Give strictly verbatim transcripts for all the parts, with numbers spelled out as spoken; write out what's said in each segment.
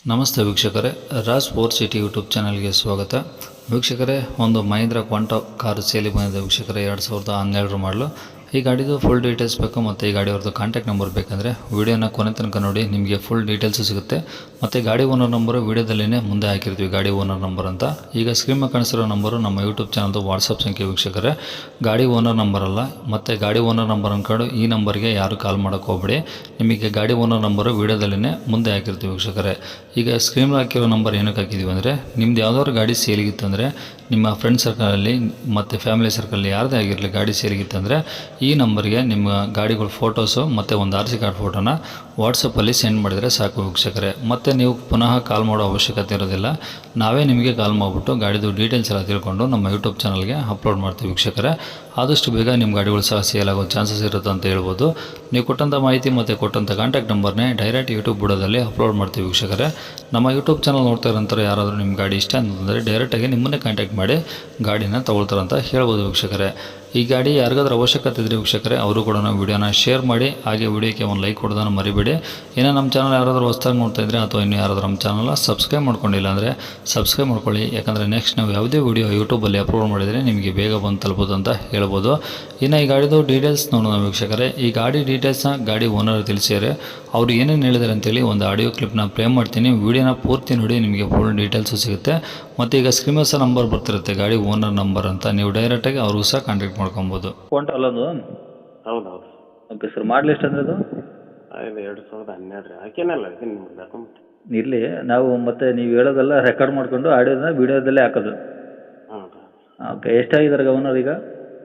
ನಮಸ್ತೆ ವೀಕ್ಷಕರೇ, Raj four city YouTube ಚಾನಲ್ಗೆ ಸ್ವಾಗತ. ವೀಕ್ಷಕರೇ, ಒಂದು ಮಹೀಂದ್ರ ಕ್ವಾಂಟೋ ಕಾರು ಸೇಲಿ ಬಂದಿದೆ ವೀಕ್ಷಕರೇ. ಎರಡು ಸಾವಿರದ ಹನ್ನೆರಡರ ಮಾಡಲು. ಈ ಗಾಡಿದು ಫುಲ್ ಡೀಟೇಲ್ಸ್ ಬೇಕು ಮತ್ತು ಈ ಗಾಡಿಯವ್ರದ್ದು ಕಾಂಟ್ಯಾಕ್ಟ್ ನಂಬರ್ ಬೇಕಂದರೆ ವೀಡಿಯೋನ ಕೊನೆ ತನಕ ನೋಡಿ, ನಿಮಗೆ ಫುಲ್ ಡೀಟೇಲ್ಸು ಸಿಗುತ್ತೆ. ಮತ್ತು ಗಾಡಿ ಓನರ್ ನಂಬರು ವೀಡಿಯೋದಲ್ಲೇ ಮುಂದೆ ಹಾಕಿರ್ತೀವಿ, ಗಾಡಿ ಓನರ್ ನಂಬರ್ ಅಂತ. ಈಗ ಸ್ಕ್ರೀನ್ ಮೇಲೆ ಕಾಣಿಸಿರೋ ನಂಬರು ನಮ್ಮ ಯೂಟ್ಯೂಬ್ ಚಾನಲ್ದು ವಾಟ್ಸಪ್ ಸಂಖ್ಯೆ ವೀಕ್ಷಕರೇ. ಗಾಡಿ ಓನರ್ ನಂಬರ್ ಅಲ್ಲ, ಮತ್ತು ಗಾಡಿ ಓನರ್ ನಂಬರ್ ಅಂದ್ಕೊಂಡು ಈ ನಂಬರ್ಗೆ ಯಾರು ಕಾಲ್ ಮಾಡೋಕ್ಕೆ ಹೋಗ್ಬೇಡಿ. ನಿಮಗೆ ಗಾಡಿ ಓನರ್ ನಂಬರು ವೀಡಿಯೋದಲ್ಲೇ ಮುಂದೆ ಹಾಕಿರ್ತೀವಿ ವೀಕ್ಷಕರೇ. ಈಗ ಸ್ಕ್ರೀನ್ ಹಾಕಿರೋ ನಂಬರ್ ಏನಕ್ಕೆ ಹಾಕಿದ್ದೀವಿ ಅಂದರೆ, ನಿಮ್ದು ಯಾವ್ದಾದ್ರು ಗಾಡಿ ಸೇಲಿಗಿತ್ತಂದರೆ ನಿಮ್ಮ ಫ್ರೆಂಡ್ ಸರ್ಕಲಲ್ಲಿ ಮತ್ತು ಫ್ಯಾಮಿಲಿ ಸರ್ಕಲಲ್ಲಿ ಯಾರದೇ ಆಗಿರಲಿ ಗಾಡಿ ಸೇಲಿಗಿತ್ತಂದರೆ ಈ ನಂಬರ್ಗೆ ನಿಮ್ಮ ಗಾಡಿಗಳ ಫೋಟೋಸು ಮತ್ತು ಒಂದು ಆರ್ ಸಿ ಕಾರ್ಡ್ ಫೋಟೋನ ವಾಟ್ಸಪ್ಪಲ್ಲಿ ಸೆಂಡ್ ಮಾಡಿದರೆ ಸಾಕು ವೀಕ್ಷಕರೇ. ಮತ್ತು ನೀವು ಪುನಃ ಕಾಲ್ ಮಾಡೋ ಅವಶ್ಯಕತೆ ಇರೋದಿಲ್ಲ. ನಾವೇ ನಿಮಗೆ ಕಾಲ್ ಮಾಡಿಬಿಟ್ಟು ಗಾಡಿದು ಡೀಟೇಲ್ಸ್ ಎಲ್ಲ ತಿಳ್ಕೊಂಡು ನಮ್ಮ ಯೂಟ್ಯೂಬ್ ಚಾನಲ್ಗೆ ಅಪ್ಲೋಡ್ ಮಾಡ್ತೀವಿ ವೀಕ್ಷಕರೇ. ಆದಷ್ಟು ಬೇಗ ನಿಮ್ಮ ಗಾಡಿಗಳು ಸಹ ಸೇಲ್ ಆಗೋ ಚಾನ್ಸಸ್ ಇರುತ್ತೆ ಅಂತ ಹೇಳ್ಬೋದು. ನೀವು ಕೊಟ್ಟಂಥ ಮಾಹಿತಿ ಮತ್ತು ಕೊಟ್ಟಂಥ ಕಾಂಟ್ಯಾಕ್ಟ್ ನಂಬರ್ನೇ ಡೈರೆಕ್ಟ್ ಯೂಟ್ಯೂಬ್ ಬುಡದಲ್ಲಿ ಅಪ್ಲೋಡ್ ಮಾಡ್ತೀವಿ ವೀಕ್ಷಕರೇ. ನಮ್ಮ ಯೂಟ್ಯೂಬ್ ಚಾನಲ್ ನೋಡ್ತಾ ಇರೋಂಥವ್ರು ಯಾರಾದರೂ ನಿಮ್ಮ ಗಾಡಿ ಇಷ್ಟ ಅಂತಂದರೆ ಡೈರೆಕ್ಟಾಗಿ ನಿಮ್ಮನ್ನೇ ಕಾಂಟ್ಯಾಕ್ಟ್ ಮಾಡಿ ಗಾಡಿನ ತೊಗೊಳ್ತಾರಂತ ಹೇಳ್ಬೋದು ವೀಕ್ಷಕರೇ. ಈ ಗಾಡಿ ಯಾರಿಗಾದ್ರೂ ಅವಶ್ಯಕತೆ ಇದ್ದರೆ ವೀಕ್ಷಕರೇ, ಅವರು ಕೂಡ ವೀಡಿಯೋನ ಶೇರ್ ಮಾಡಿ, ಹಾಗೆ ವೀಡಿಯೋಕ್ಕೆ ಒಂದು ಲೈಕ್ ಕೊಡೋದನ್ನು ಮರಿಬೇಡಿ. ಇನ್ನು ನಮ್ಮ ಚಾನಲ್ ಯಾರಾದರೂ ಹೊಸ್ದಾಗಿ ನೋಡ್ತಾ ಇದ್ದರೆ ಅಥವಾ ಇನ್ನು ಯಾರಾದರೂ ನಮ್ಮ ಚಾನಲ್ನ ಸಬ್ಸ್ಕ್ರೈಬ್ ಮಾಡ್ಕೊಂಡಿಲ್ಲ ಅಂದರೆ ಸಬ್ಸ್ಕ್ರೈಬ್ ಮಾಡ್ಕೊಳ್ಳಿ. ಯಾಕಂದರೆ ನೆಕ್ಸ್ಟ್ ನಾವು ಯಾವುದೇ ವೀಡಿಯೋ ಯೂಟ್ಯೂಬಲ್ಲಿ ಅಪ್ಲೋಡ್ ಮಾಡಿದರೆ ನಿಮಗೆ ಬೇಗ ಬಂದು ತಲುಪೋದು ಅಂತ ಹೇಳ್ಬೋದು. ಇನ್ನು ಈ ಗಾಡಿದು ಡೀಟೇಲ್ಸ್ ನೋಡೋಣ ವೀಕ್ಷಕರೇ. ಈ ಗಾಡಿ ಡೀಟೇಲ್ಸ್ನ ಗಾಡಿ ಓನರ್ ತಿಳಿಸಿದರೆ ಅವರು ಏನೇನು ಹೇಳಿದ್ದಾರೆ ಅಂತೇಳಿ ಒಂದು ಆಡಿಯೋ ಕ್ಲಿಪ್ನ ಪ್ಲೇ ಮಾಡ್ತೀನಿ. ವೀಡಿಯೋನ ಪೂರ್ತಿ ನೋಡಿ, ನಿಮಗೆ ಫುಲ್ ಡೀಟೇಲ್ಸು ಸಿಗುತ್ತೆ. ಮತ್ತು ಈಗ ಸ್ಕ್ರೀನ್ ಸಹ ನಂಬರ್ ಬರ್ತಿರುತ್ತೆ, ಗಾಡಿ ಓನರ್ ನಂಬರ್ ಅಂತ. ನೀವು ಡೈರೆಕ್ಟಾಗಿ ಅವ್ರಿಗೂ ಸಹ ಕಾಂಟ್ಯಾಕ್ಟ್ ಮಾಡ್ಕೊಬೋದು. ಫೋನ್ ಅಲ್ಲದು ಹೌದು ಹೌದು ಓಕೆ ಸರ್. ಮಾಡಲಿ ಎಷ್ಟು ಅಂದರೆ ಅದು ಇದು ಎರಡು ಸಾವಿರದ ಹನ್ನೆರಡು ರೀ. ಹಾಕೇನಲ್ಲ ಇದು ನಿಮ್ಗೆ ಡಾಕ್ಯುಮೆಂಟ್ ಇರಲಿ. ನಾವು ಮತ್ತೆ ನೀವು ಹೇಳೋದೆಲ್ಲ ರೆಕಾರ್ಡ್ ಮಾಡಿಕೊಂಡು ಆಡಿಯೋನ ವೀಡಿಯೋದಲ್ಲೇ ಹಾಕೋದು. ಹಾಂ ರೀ. ಓಕೆ. ಎಷ್ಟಾಗಿದ್ದಾರೆ ಓನರ್ ಈಗ?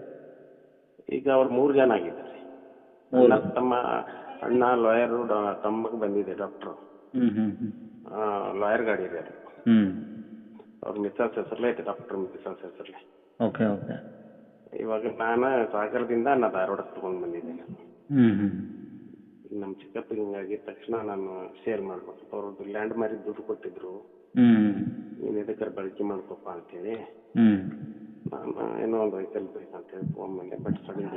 ಈಗ ಅವ್ರು ಮೂರು ಜನ ಆಗಿದ್ದಾರೆ. ಮೂರು. ಅಣ್ಣ ತಮ್ಮ ಅಣ್ಣ ಲಾಯರು, ತಮ್ಮಗೆ ಬಂದಿದೆ ಡಾಕ್ಟ್ರು. ಹ್ಞೂ ಹ್ಞೂ ಹ್ಞೂ ಲಾಯರ್ ಗಾಡಿ ಇದೆ ಅದು. ಹ್ಞೂ ಅವ್ರ ಮಿಸ್ಸಸ್ ಹೆಸರಲ್ಲೇ ಐತೆ, ಡಾಕ್ಟ್ರ್ ಮಿಸ್ಸಸ್ ಹೆಸರಲ್ಲೇ. Okay okay. ಇವಾಗ ನಾನು ಸಾಗರದಿಂದ ನಾ ಧಾರವಾಡಕ್ಕೆ ತೊಗೊಂಡು ಬಂದಿದ್ದೇನೆ. ಹ್ಞೂ ಹ್ಞೂ ಈಗ ನಮ್ಮ ಚಿಕ್ಕಪ್ಪ ಹಿಂಗಾಗಿದ್ದ ತಕ್ಷಣ ನಾನು ಸೇಲ್ ಮಾಡ್ಬೇಕು. ಅವ್ರದ್ದು ಲ್ಯಾಂಡ್ ಮಾರಿ ದುಡ್ಡು ಕೊಟ್ಟಿದ್ರು, ಹ್ಞೂ ನೀನು ಇದಕ್ಕೆ ಬಳಕೆ ಮಾಡ್ಕೊಪ್ಪ ಅಂತೇಳಿ. ಹ್ಞೂ ನಾನು ಏನೋ ಒಂದು ವೆಹಿಕಲ್ ಬೇಕಂತೇಳಿ ತೊಗೊಂಡ್ಬಂದೆ. ಬಟ್ ಸಡನ್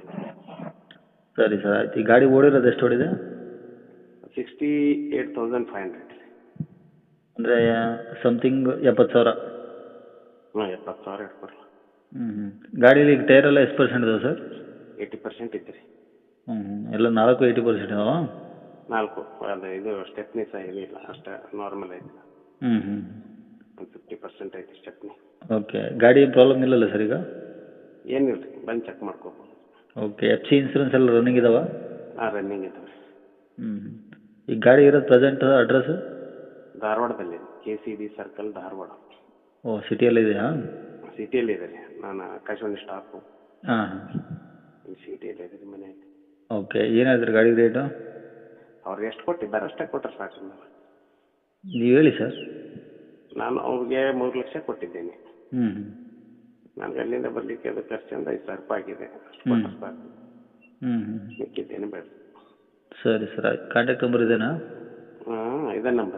ಸರಿ ಸರ್, ಆಯ್ತು. ಈ ಗಾಡಿ ಓಡಿರೋದು ಎಷ್ಟು ಓಡಿದೆ? Sixty eight thousand five hundred ಅಂದರೆ ಸಮಥಿಂಗ್ ಎಪ್ಪತ್ತು ಸಾವಿರ. ಹಾಂ, ಎಪ್ಪತ್ತು ಸಾವಿರ ಇಟ್ಕೊಡ್ರಿ. ಹ್ಞೂ ಹ್ಞೂ ಗಾಡೀಲಿ ಈಗ ಟೈರ್ ಎಲ್ಲ ಎಷ್ಟು ಪರ್ಸೆಂಟ್ ಇದಾವೆ ಸರ್? ಏಯ್ಟಿ ಪರ್ಸೆಂಟ್ ಇತ್ತು ರೀ. ಹ್ಞೂ ಹ್ಞೂ ಎಲ್ಲ ನಾಲ್ಕು ಏಯ್ಟಿ ಪರ್ಸೆಂಟ್ ಇದಾವ? ನಾಲ್ಕು. ಅದು ಇದು ಸ್ಟೆಪ್ನಿ ಸಹ ಏನಿಲ್ಲ, ಅಷ್ಟೇ ನಾರ್ಮಲ್ ಐತಿ. ಹ್ಞೂ ಹ್ಞೂ ಒಂದು ಫಿಫ್ಟಿ ಪರ್ಸೆಂಟ್ ಐತಿ ಸ್ಟೆಪ್ನಿ. ಓಕೆ. ಗಾಡಿ ಪ್ರಾಬ್ಲಮ್ ಇಲ್ಲಲ್ಲ ಸರ್ ಈಗ? ಏನಿಲ್ಲ ರೀ, ಬಂದು ಚೆಕ್ ಮಾಡ್ಕೋಬೋದು. ಓಕೆ. ಎಫ್ ಸಿ ಇನ್ಸೂರೆನ್ಸ್ ಎಲ್ಲ ರನ್ನಿಂಗ್ ಇದಾವೆ? ಹಾಂ, ರನ್ನಿಂಗ್ ಇದಾವೆ ರೀ. ಹ್ಞೂ ಈಗ ಗಾಡಿ ಇರೋದು ಪ್ರೆಸೆಂಟ್ ಅಡ್ರೆಸ್ಸು? ಧಾರವಾಡದಲ್ಲಿ, ಕೆ ಸಿ ಡಿ ಸರ್ಕಲ್, ಧಾರವಾಡ. ಓ, ಸಿಟಿಯಲ್ಲಿ ಇದೆಯಾ? ಸಿಟಿಯಲ್ಲಿ ಇದೆ ರೀ. ನಾನು ಆಕಾಶವಾಣಿ ಸ್ಟಾಫು. ಹಾಂ ಹಾಂ ಇಲ್ಲಿ ಸಿಟಿಯಲ್ಲಿ ಇದೆ ರೀ ಮನೆ. ಓಕೆ. ಏನು ಹೇಳ್ತೀರಿ ಗಾಡಿ ರೇಟು? ಅವ್ರು ಎಷ್ಟು ಕೊಟ್ಟಿದ್ದಾರೆ ಅಷ್ಟೇ ಕೊಟ್ಟರೆ ಸಾಕು. ನಾನು ನೀವು ಹೇಳಿ ಸರ್. ನಾನು ಅವ್ರಿಗೆ ಮೂರು ಲಕ್ಷ ಕೊಟ್ಟಿದ್ದೇನೆ. ಹ್ಞೂ ನನಗೆ ಅಲ್ಲಿಂದ ಬರಲಿಕ್ಕೆ ಅದು ಖರ್ಚು ಒಂದು ಐದು ಸಾವಿರ ರೂಪಾಯಿ ಆಗಿದೆ. ಅಷ್ಟು ಹ್ಞೂ ಕೊಟ್ಟರೆ ಸಾಕು. ಹ್ಞೂ ಹ್ಞೂ ಮಿಕ್ಕಿದ್ದೇನೆ ಬೇಡ. ಸರಿ ಸರ್, ಆಯ್ತು. ಕಾಂಟ್ಯಾಕ್ಟ್ ನಂಬರ್ ಇದೇನಾ? ಹಾಂ, ಇದೇ ನಂಬರ್.